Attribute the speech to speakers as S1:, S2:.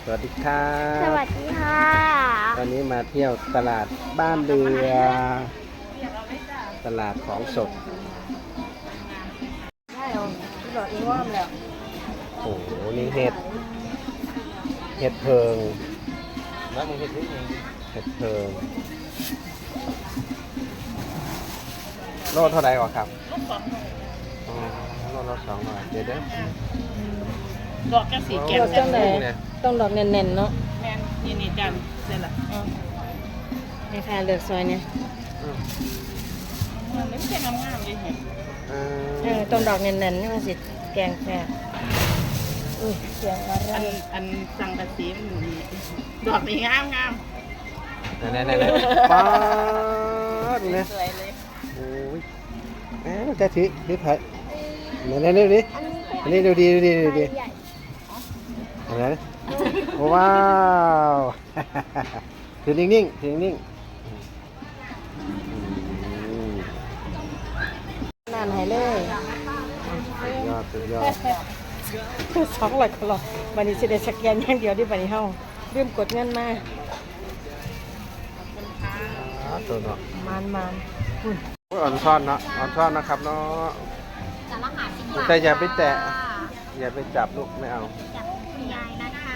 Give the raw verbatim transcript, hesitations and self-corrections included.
S1: วัสดีครับ
S2: สวัสดีค่ะ
S1: ตอนนี้มาเที่ยวตลาดบ้านเรือ ตลาดของสด
S2: ได้เหรอหลอดอีว่ามแล้ว
S1: โอ้โห นี่เห็ด เห็ดเพิงแล้วมึงเห็ดนี่เองเห็ดเพิงโลเท่าไหร่ก่อนครับอ๋อโลละสองหน่อยเดี๋ยวเด้อ
S3: ดอกแค่สีแก้ว
S1: โอ้
S3: แซ่บ
S1: โห
S3: เลย
S2: ต้องดอกเน่นๆเนาะ
S3: แม่นนี่นี่จันเสร็จละ
S2: นี่ค่ะเลือกซอยเนี่ย
S1: อืม
S3: มันไม่ใช่งามๆเลยเห็น
S1: เอ
S2: เออต้องดอกเน่นๆนี่มันสิแกงแซ่บอุ้ยเสียงอะไร
S3: อันอันสังกะสีมันอยู่นี่ดอกนี่งามงาม
S1: ไหนไหนไหนป๊าดเนี่ย
S3: สวยเลย
S1: โอ้ยเอ๊ะจะถือถือไผ่ไหนไหนดูดิอันนี้ดูดีดูดีดูดีอันไหนว้าว ถือนิ่งๆถือนิ่งๆอืม
S2: นานหายเลย
S1: สุดยอดสุดยอด
S2: สองร้อยกว่าหลอดวันนี้สิได้สแกนอย่างเดียวที่วันนี้เฮาลืมกดเงินมา
S1: อ๋อตัวเนาะ
S2: มานมานคุณ
S1: โอ้ยอ่อนซ่อนเนาะอ่อนซ่อนนะครับเนาะ
S4: สารหาสิบบาท
S1: แต่อย่าไปแตะอย่าไปจับลูกไม่เอา
S4: จากคุณยายนะคะ